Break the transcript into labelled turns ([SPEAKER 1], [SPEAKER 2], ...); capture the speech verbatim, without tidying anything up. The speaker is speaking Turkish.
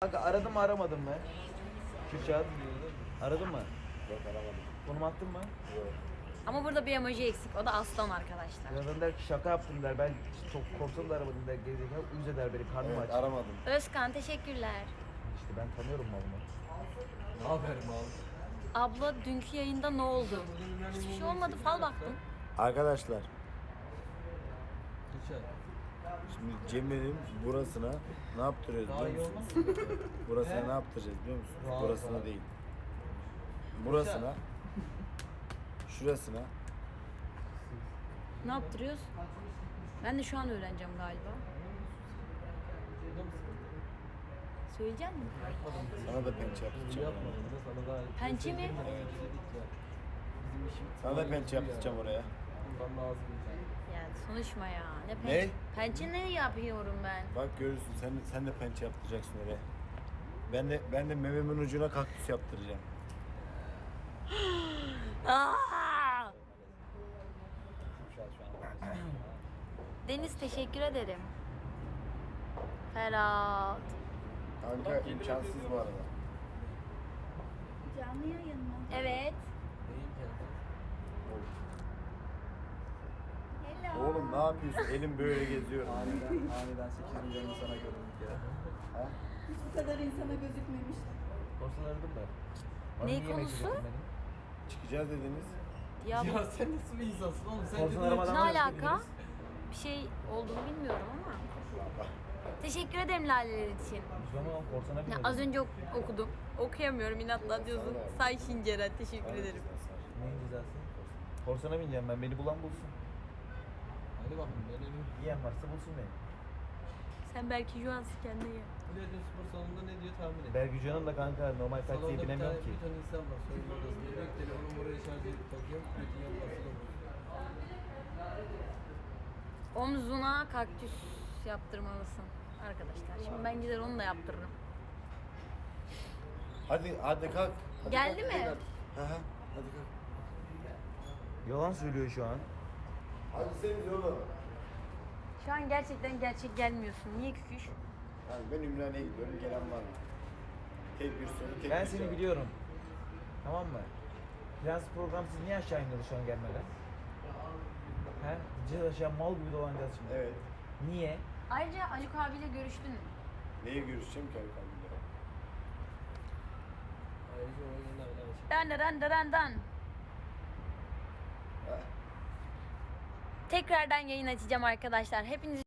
[SPEAKER 1] Kanka aradım mı aramadım mı? Kürşat. Aradın mı?
[SPEAKER 2] Yok aramadım.
[SPEAKER 1] Konum attın mı?
[SPEAKER 2] Yok.
[SPEAKER 3] Ama burada bir emoji eksik. O da aslan arkadaşlar.
[SPEAKER 1] Yanından der ki şaka yaptım der. Ben çok korktum da aramadım der. Gerizekalı uyuz eder beni. Karnım
[SPEAKER 2] Evet
[SPEAKER 1] aç.
[SPEAKER 2] aramadım.
[SPEAKER 3] Özkan teşekkürler.
[SPEAKER 1] İşte ben tanıyorum malımı.
[SPEAKER 4] Ne haber mal?
[SPEAKER 3] Abla dünkü yayında ne oldu? Hiçbir şey olmadı. Fal baktım.
[SPEAKER 2] Arkadaşlar
[SPEAKER 4] Kürşat.
[SPEAKER 2] şimdi Cemil'in burasına ne yaptırıyoruz
[SPEAKER 4] Daha iyi
[SPEAKER 2] biliyor
[SPEAKER 4] olmaz
[SPEAKER 2] musunuz?
[SPEAKER 4] mı?
[SPEAKER 2] Burasına
[SPEAKER 4] He?
[SPEAKER 2] ne yaptıracağız biliyor musunuz?
[SPEAKER 4] Rahat,
[SPEAKER 2] Burasına
[SPEAKER 4] rahat.
[SPEAKER 2] değil. Burasına, şurasına
[SPEAKER 3] Ne yaptırıyoruz? Ben de şu an öğreneceğim galiba.
[SPEAKER 4] Burada mısın?
[SPEAKER 3] Söyleyecek misin?
[SPEAKER 2] sana da pençe yaptıracağım.
[SPEAKER 4] Yapmadım da sana daha...
[SPEAKER 3] Pençe mi?
[SPEAKER 4] Evet dedik ya. Bizim işimiz...
[SPEAKER 2] Sana da pençe yaptıracağım oraya.
[SPEAKER 4] Bundan lazım yani.
[SPEAKER 3] Ya konuşma ya. Ne
[SPEAKER 2] Ne?
[SPEAKER 3] pençe? Pençe ne yapıyorum ben?
[SPEAKER 2] Bak görürsün sen sen de pençe yaptıracaksın oraya. Ben de ben de mememin ucuna kaktüs yaptıracağım.
[SPEAKER 3] Aa!
[SPEAKER 4] Kürşat şu an.
[SPEAKER 3] Deniz teşekkür ederim. Ferhat.
[SPEAKER 2] Kanka imkansız bu arada.
[SPEAKER 5] Canlı yayın mı?
[SPEAKER 3] Evet.
[SPEAKER 4] Neyim kendisi?
[SPEAKER 5] Hello.
[SPEAKER 2] Oğlum ne yapıyorsun? Elim böyle geziyor.
[SPEAKER 6] Aniden, aniden sekiz milyon insana göründük ya.
[SPEAKER 2] Ha?
[SPEAKER 5] Hiç bu kadar insana gözükmemiştim.
[SPEAKER 1] Korsan aradım ben. Bana
[SPEAKER 3] Ne
[SPEAKER 1] niye yemek
[SPEAKER 3] konusu?
[SPEAKER 1] getirmedin?
[SPEAKER 2] Çıkacağız dediniz.
[SPEAKER 3] Ya bu-
[SPEAKER 4] Ya sen nasıl bir insansın oğlum? Sen
[SPEAKER 1] Korsan
[SPEAKER 4] dediğin-
[SPEAKER 1] aramadan
[SPEAKER 3] ne
[SPEAKER 1] nasıl
[SPEAKER 3] alaka?
[SPEAKER 1] gittiniz?
[SPEAKER 3] Bir şey olduğunu bilmiyorum ama. Teşekkür ederim laleler için.
[SPEAKER 1] Biz ama korsana
[SPEAKER 3] Ya
[SPEAKER 1] biniyorduk.
[SPEAKER 3] az önce ok- okudum. Okuyamıyorum inatla diyorsun. Say Şinceren teşekkür ederim.
[SPEAKER 1] Neyin cezası? Korsana bineceğim ben. Beni bulan bulsun.
[SPEAKER 4] Hadi bakın benim.
[SPEAKER 1] Yiyen varsa bulsun beni.
[SPEAKER 3] Sen belki şu an kendine gel.
[SPEAKER 4] Biletin spor salonunda ne diyor tahmin et.
[SPEAKER 1] Bergücan'ın da kanka normal taksiye
[SPEAKER 4] Salonda bir tane,
[SPEAKER 1] binemiyorum ki.
[SPEAKER 4] bir tane insan var. Soyunma odasında. Diyor ki telefonumu buraya şarj edip takıyorum. Bütün yan basılı
[SPEAKER 3] Omzuna kaktüs yaptırmalısın arkadaşlar. Şimdi ben gider onu da yaptırırım.
[SPEAKER 2] Hadi hadi kalk. Hadi
[SPEAKER 3] Geldi
[SPEAKER 2] kalk,
[SPEAKER 3] mi?
[SPEAKER 2] hadi kalk. Hı hı. Hadi kalk.
[SPEAKER 1] Yalan söylüyor şu an.
[SPEAKER 2] Hadi sen oğlum.
[SPEAKER 3] Şu an gerçekten gerçek gelmiyorsun. Niye küküş?
[SPEAKER 2] Yani ben Ümraniye'ye gidiyorum. Gelen var mı? Tek bir soru, tek
[SPEAKER 1] Ben
[SPEAKER 2] bir
[SPEAKER 1] seni
[SPEAKER 2] cevap.
[SPEAKER 1] biliyorum. Tamam mı? Prens programsız niye aşağı iniyordu şu an gelmeden? He? Gideceğiz aşağı mal gibi dolanacağız şimdi.
[SPEAKER 2] Evet.
[SPEAKER 1] Niye?
[SPEAKER 3] Ayrıca Haluk abiyle görüştün mü?
[SPEAKER 2] Neye görüşeceğim ki Hakan Bey'le?
[SPEAKER 4] Ayrıca o yayınlar bile açık.
[SPEAKER 3] Dan dan dan dan dan.
[SPEAKER 2] Ha.
[SPEAKER 3] Tekrardan yayın açacağım arkadaşlar. Hepinizi